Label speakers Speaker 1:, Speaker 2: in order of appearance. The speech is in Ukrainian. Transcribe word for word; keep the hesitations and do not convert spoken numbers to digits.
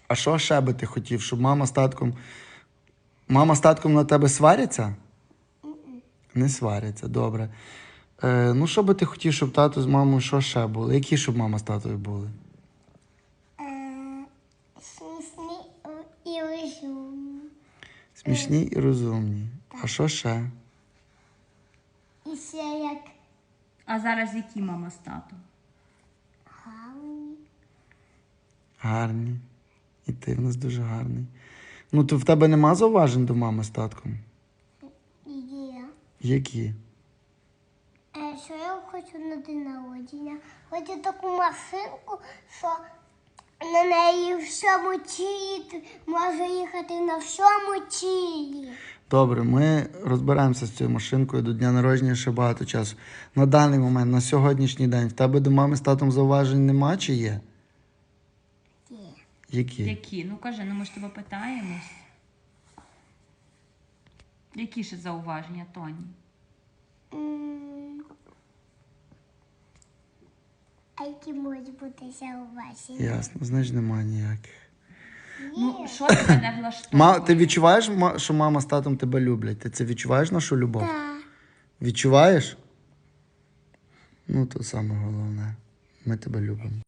Speaker 1: А що ще би ти хотів, щоб мама з татком... Мама з татком на тебе сваряться? Не сваряться, добре. Е, ну, що би ти хотів, щоб тато з мамою що ще були? Які щоб мама з татою були?
Speaker 2: Е, Смішні і розумні.
Speaker 1: Смішні і розумні. А що ще?
Speaker 2: І ще як
Speaker 3: А зараз які мама з татом?
Speaker 2: гарні.
Speaker 1: Гарні. І ти в нас дуже гарний. Ну, то в тебе нема зауважень до мами з татком?
Speaker 2: Є.
Speaker 1: Які?
Speaker 2: Е, Що я хочу на день народження? Хочу таку машинку, що на неї в всьому тілі можу їхати на всьому тілі.
Speaker 1: Добре, ми розберемося з цією машинкою. До дня народження ще багато часу. На даний момент, на сьогоднішній день, в тебе до мами з татом зауважень нема чи є?
Speaker 2: Є.
Speaker 1: Які?
Speaker 3: Які? Ну кажи, ну ми ж тебе питаємось. Які ще зауваження, Тоні?
Speaker 2: М, А які можуть бути зауваження?
Speaker 1: Ясно, значить нема ніяких.
Speaker 3: Ну, що тебе не влаштовує?
Speaker 1: Ма, ти відчуваєш, ма- що мама з татом тебе люблять? Ти це відчуваєш, нашу любов?
Speaker 2: Так.
Speaker 1: Відчуваєш? Ну, то саме головне. Ми тебе любимо.